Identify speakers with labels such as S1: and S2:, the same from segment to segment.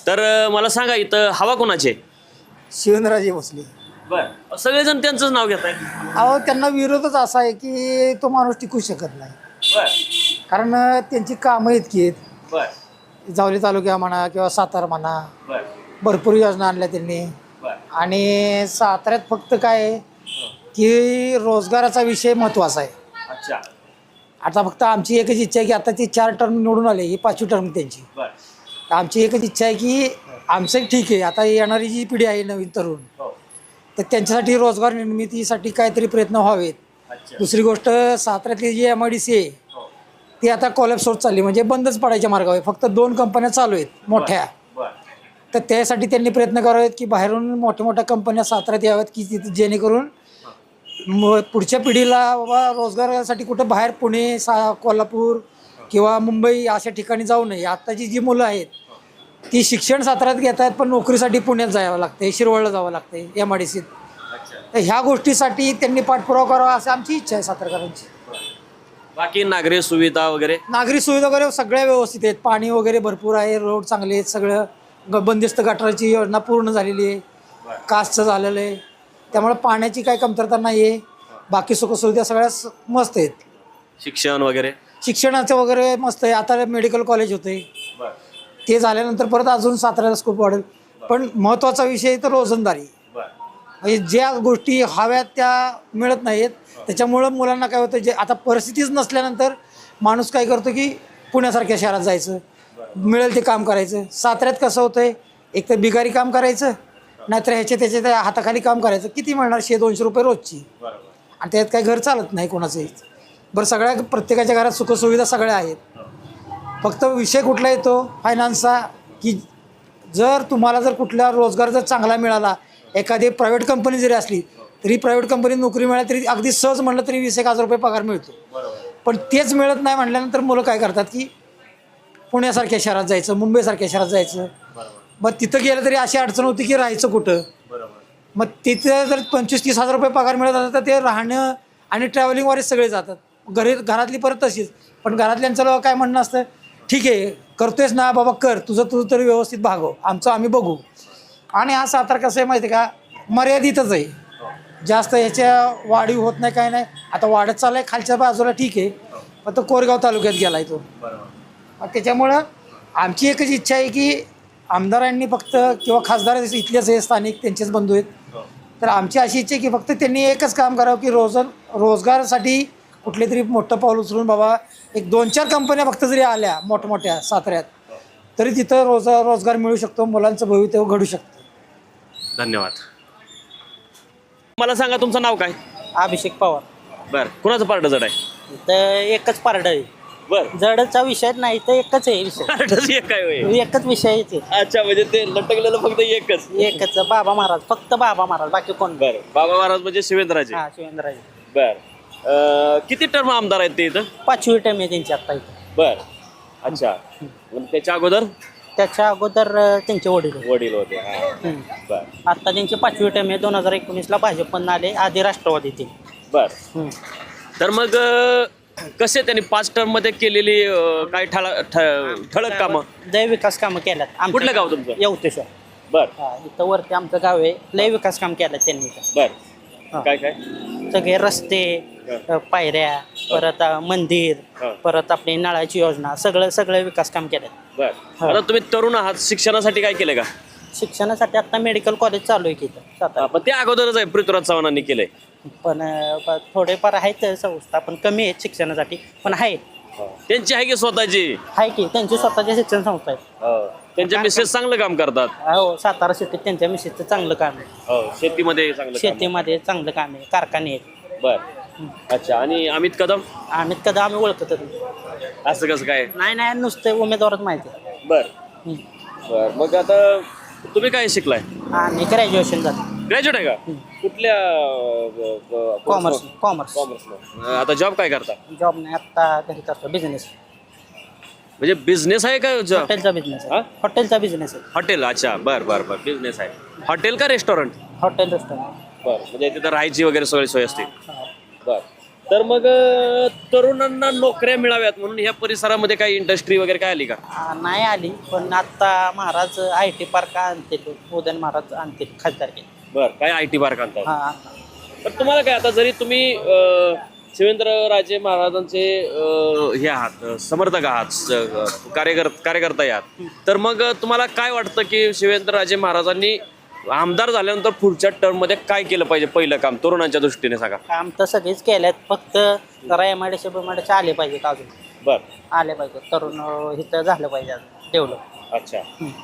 S1: तर मला सांगा इथं हवा कोणाची आहे?
S2: शिवेंद्रराजे भोसले.
S1: बर, सगळेजण त्यांचंच नाव घेत आहे.
S2: अहो त्यांना विरोधच असा आहे की तो माणूस टिकू शकत नाही.
S1: बर
S2: कारण त्यांची कामं इतकी आहेत.
S1: बर
S2: जावली तालुक्या म्हणा किंवा सातारा म्हणा,
S1: बर
S2: भरपूर योजना आणल्या त्यांनी.
S1: बर
S2: आणि साताऱ्यात फक्त काय आहे की रोजगाराचा विषय महत्त्वाचा आहे.
S1: अच्छा.
S2: आता फक्त आमची एकच इच्छा आहे की आता ती 4 टर्म निवडून आले, ही 5वी टर्म त्यांची.
S1: बर
S2: तर आमची एकच इच्छा आहे की आमचं ठीक आहे, आता येणारी जी पिढी आहे नवीन तरुण,
S1: हो.
S2: तर त्यांच्यासाठी रोजगार निर्मितीसाठी काहीतरी प्रयत्न व्हावेत.
S1: अच्छा.
S2: दुसरी गोष्ट, साताऱ्यातली जी MIDC आहे
S1: हो.
S2: ती आता कॉलॅप्स होत चालली, म्हणजे बंदच पडायच्या मार्गावर आहे. फक्त 2 कंपन्या चालू आहेत मोठ्या.
S1: बर
S2: तर त्यासाठी त्यांनी प्रयत्न करावेत की बाहेरून मोठ्या मोठ्या कंपन्या साताऱ्यात याव्यात की तिथे जेणेकरून पुढच्या पिढीला बाबा रोजगारासाठी कुठं बाहेर पुणे, कोल्हापूर किंवा मुंबई अशा ठिकाणी जाऊ नये. आत्ताची जी मुलं आहेत ती शिक्षण साताऱ्यात घेत आहेत, पण नोकरीसाठी पुण्यात जावं लागते, शिरवळला जावं लागते, MIDCत.
S1: अच्छा.
S2: तर ह्या गोष्टीसाठी त्यांनी पाठपुरावा करावा असं आमची इच्छा आहे सातारकरांची.
S1: बाकी नागरी सुविधा वगैरे?
S2: नागरी सुविधा वगैरे सगळ्या व्यवस्थित आहेत. पाणी वगैरे भरपूर आहे, रोड चांगले आहेत, सगळं बंदिस्त गटाराची योजना पूर्ण झालेली आहे, कास्टचं झालेलं आहे. त्यामुळे पाण्याची काही कमतरता नाही आहे. बाकी सुखसुविधा सगळ्या मस्त आहेत.
S1: शिक्षण वगैरे?
S2: शिक्षणाचं वगैरे मस्त आहे. आता मेडिकल कॉलेज होते, ते झाल्यानंतर परत अजून साताऱ्याला स्कोप वाढेल. पण महत्त्वाचा विषय तर रोजंदारी, म्हणजे ज्या गोष्टी हव्यात त्या मिळत नाहीत. त्याच्यामुळं मुलांना काय होतं, जे आता परिस्थितीच नसल्यानंतर माणूस काय करतो की पुण्यासारख्या शहरात जायचं, मिळेल ते काम करायचं. साताऱ्यात कसं होतं आहे, एक तर बिगारी काम करायचं, नाहीतर त्याच्या त्या हाताखाली काम करायचं. किती मिळणार, 100-200 रुपये रोजची, आणि त्यात काही घर चालत नाही कोणाचंही. बरं, सगळ्या प्रत्येकाच्या घरात सुखसुविधा सगळ्या आहेत. फक्त विषय कुठला येतो फायनान्सचा, की जर तुम्हाला जर कुठला रोजगार जर चांगला मिळाला, एखादी प्रायव्हेट कंपनी जरी असली तरी प्रायव्हेट कंपनीत नोकरी मिळाली तरी अगदी सहज म्हणलं तरी 20,000 रुपये पगार मिळतो. पण तेच मिळत नाही म्हटल्यानंतर मुलं काय करतात की पुण्यासारख्या शहरात जायचं, मुंबईसारख्या शहरात जायचं. मग तिथं गेलं तरी अशी अडचण होती की राहायचं कुठं. मग तिथे जर 25-30,000 रुपये पगार मिळत असतात तर ते राहणं आणि ट्रॅव्हलिंगवरच सगळे जातात. घरातली परत तशीच. पण घरातल्यांचं काय म्हणणं असतं, ठीक आहे करतोयस ना बाबा, कर, तुझं तरी व्यवस्थित भागव, आमचं आम्ही बघू. आणि हा सातारा कसं आहे माहिती आहे का, मर्यादितच आहे. जास्त ह्याच्या वाढीव होत नाही, काय नाही. आता वाढत चाललाय खालच्या बाजूला, ठीक आहे, फक्त कोरेगाव तालुक्यात गेलाय तो. त्याच्यामुळं आमची एकच इच्छा आहे की आमदारांनी फक्त किंवा खासदार इथलेच आहे, स्थानिक त्यांचेच बंधू आहेत. तर आमची अशी इच्छा आहे की फक्त त्यांनी एकच काम करावं की रोजगारासाठी कुठले तरी मोठं पाऊल उचलून बाबा एक 2-4 कंपन्या फक्त जरी आल्या मोठमोठ्या साताऱ्यात, तरी तिथं रोजगार मिळू शकतो, मुलांचं भवितव्य घडू शकतं.
S1: धन्यवाद. मला सांगा तुमचं नाव काय?
S3: अभिषेक पवार.
S1: बर, कुणाचं पार्ट जड आहे?
S3: तर एकच पारड आहे.
S1: बर,
S3: जडचा विषय नाही, तर एकच आहे विषय.
S1: पार्टच एक काय होय?
S3: एकच विषय आहे ते.
S1: अच्छा, म्हणजे ते लटकलेलं फक्त एकच?
S3: एकच बाबा महाराज, फक्त बाबा महाराज, बाकी कोण?
S1: बर, बाबा महाराज म्हणजे शिवेंद्रराजे.
S3: हा, शिवेंद्रराजे.
S1: बर, किती टर्म आमदार आहेत ते इथं?
S3: 5वी टर्म आहे त्यांची आता इथं.
S1: बर, अच्छा. त्याच्या अगोदर
S3: त्याच्या अगोदर त्यांचे वडील होते.
S1: वडील होते. हा. बर
S3: आता त्यांची 5वी टर्म आहे. 2019ला भाजप पण आले, आधी राष्ट्रवादी ते.
S1: बर. तर मग कसे त्यांनी 5 टर्म मध्ये केलेली काय ठळक कामं?
S3: लय विकास कामं केल्यात.
S1: कुठलं गाव तुमचं?
S3: येवतेश्वर.
S1: बर.
S3: हा, इथं वरती आमचं गाव आहे. लय विकास काम केलं त्यांनी इथं.
S1: बर, काय काय?
S3: सगळे रस्ते, पायऱ्या, परत मंदिर, परत आपली नळाची योजना, सगळं विकास काम केलं.
S1: बर. आता तुम्ही तरुण आहात, शिक्षणासाठी काय केलंय का?
S3: शिक्षणासाठी आता मेडिकल कॉलेज चालू आहे की इथं सातारा.
S1: पण ते अगोदरच आहे, पृथ्वीराज चव्हाणांनी केलंय.
S3: पण थोडेफार आहेत संस्था, पण कमी आहेत शिक्षणासाठी, पण आहे.
S1: त्यांची आहे की स्वतःची?
S3: आहे की त्यांची स्वतःची शिक्षण संस्था आहे.
S1: त्यांच्या मिसेस चांगलं काम करतात.
S3: हो, सातारा सिटीत त्यांच्या मिसेसचं चांगलं काम आहे.
S1: शेतीमध्ये चांगलं काम.
S3: शेतीमध्ये चांगलं काम आहे, कारखाने आहेत.
S1: बर, अच्छा. आणि अमित कदम?
S3: अमित कदम आम्ही ओळखत
S1: असं कसं काय?
S3: नाही, नुसते उमेदवारच माहिती आहे.
S1: बर बर. मग आता तुम्ही काय शिकलाय?
S3: आणि ग्रॅज्युएशन झालं.
S1: ग्रॅज्युएट आहे का? कुठल्या?
S3: कॉमर्स.
S1: कॉमर्स. आता जॉब काय करता?
S3: जॉब नाही, आता घरी करतो बिझनेस.
S1: म्हणजे बिझनेस आहे का?
S3: हॉटेलचा बिझनेस आहे. हॉटेलचा बिझनेस आहे.
S1: हॉटेल. अच्छा, बर बर बर. बिझनेस आहे. हॉटेल का रेस्टॉरंट?
S3: Hotel restaurant.
S1: बर, म्हणजे तिथं राहायची वगैरे सगळी सोय असते. बर. तर मग तरुणांना नोकऱ्या मिळाव्यात म्हणून ह्या परिसरामध्ये काही इंडस्ट्री वगैरे काय आली का?
S3: नाही आली, पण आता महाराज IT पार्क आणतील, उदयन महाराज आणतील खासदार केले.
S1: बर, काय IT पार्क आणतात?
S3: हा.
S1: पण तुम्हाला काय आता जरी तुम्ही शिवेंद्रराजे महाराजांचे हे आहात, समर्थक आहात, कार्यकर्ता आहात, तर मग तुम्हाला काय वाटतं की शिवेंद्रराजे महाराजांनी आमदार झाल्यानंतर पुढच्या टर्म मध्ये काय केलं पाहिजे? पहिलं काम तरुणांच्या दृष्टीने सांगा.
S3: काम तर सगळेच केलेत, फक्त जरा MIDC BIMIDC आले पाहिजेत अजून.
S1: बर,
S3: आले पाहिजे, तरुण इथं झालं पाहिजे अजून डेव्हलप.
S1: अच्छा,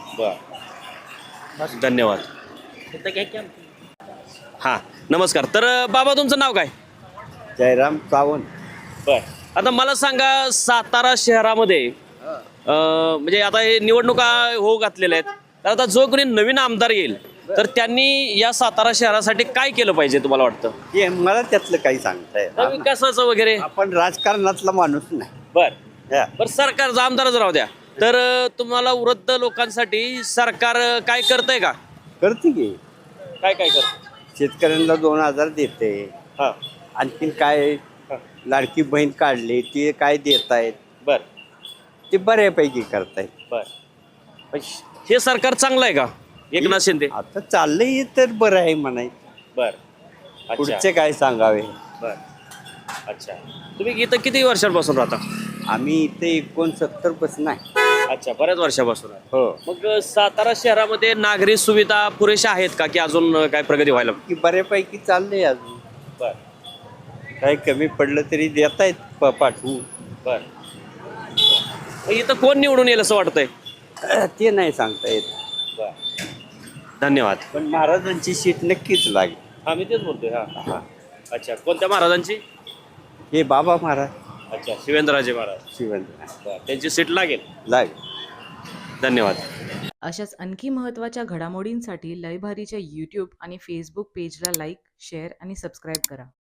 S1: बर, धन्यवाद.
S3: इथं घ्या की
S1: हां, नमस्कार. तर बाबा तुमचं नाव काय?
S4: जयराम सावंत.
S1: बर, आता मला सांगा सातारा शहरामध्ये म्हणजे आता हे निवडणुका होऊ घातलेल्या आहेत, तर आता जो कोणी नवीन आमदार येईल तर त्यांनी या सातारा शहरासाठी काय केलं पाहिजे तुम्हाला वाटतं?
S4: हे मला त्यातलं काही सांगता येत
S1: तर विकासाचं वगैरे.
S4: आपण राजकारणातला माणूस नाही.
S1: बर
S4: हा.
S1: बर, सरकारचा आमदारच राहू द्या. तर तुम्हाला वृद्ध लोकांसाठी सरकार काय करतंय का?
S4: करते की
S1: काय काय करत?
S4: शेतकऱ्यांना 2000 देते.
S1: हा,
S4: आणखीन काय लाडकी बहीण काढली ते काय देत आहेत
S1: बर
S4: ते बऱ्यापैकी करतायत.
S1: बर. पण हे सरकार चांगलं आहे का एकनाथ शिंदे?
S4: आता चाललंय तर बरं आहे म्हणायचं.
S1: बर, अच्छा,
S4: पुढचे काय सांगावे.
S1: बर, अच्छा. तुम्ही इथं किती वर्षांपासून राहता?
S4: आम्ही इथे 69 पासून आहे.
S1: अच्छा, बऱ्याच वर्षापासून आहे.
S4: हो,
S1: मग सातारा शहरामध्ये नागरी सुविधा पुरेशा आहेत का की अजून काय प्रगती व्हायला?
S4: की बऱ्यापैकी चाललंय अजून.
S1: बर
S4: काही कमी पडलं तरी देतायत पाठवून.
S1: बर. मग इथं कोण निवडून येईल असं वाटतंय?
S4: ते नाही सांगता येत.
S1: बर, धन्यवाद.
S4: पण महाराजांची सीट नक्कीच लागेल.
S1: हा, मी तेच बोलतोय. हा हा, अच्छा. कोणत्या महाराजांची?
S4: हे बाबा महाराज
S1: अच्छा, शिवेंद्रराजे महाराज.
S4: शिवंत
S1: बर, त्यांची सीट लागेल.
S4: लागेल.
S1: धन्यवाद.
S5: अशाच आणखी महत्त्वाच्या घडामोडींसाठी लयभारीच्या यूट्यूब आणि फेसबुक पेजला लाईक, शेअर आणि सबस्क्राईब करा.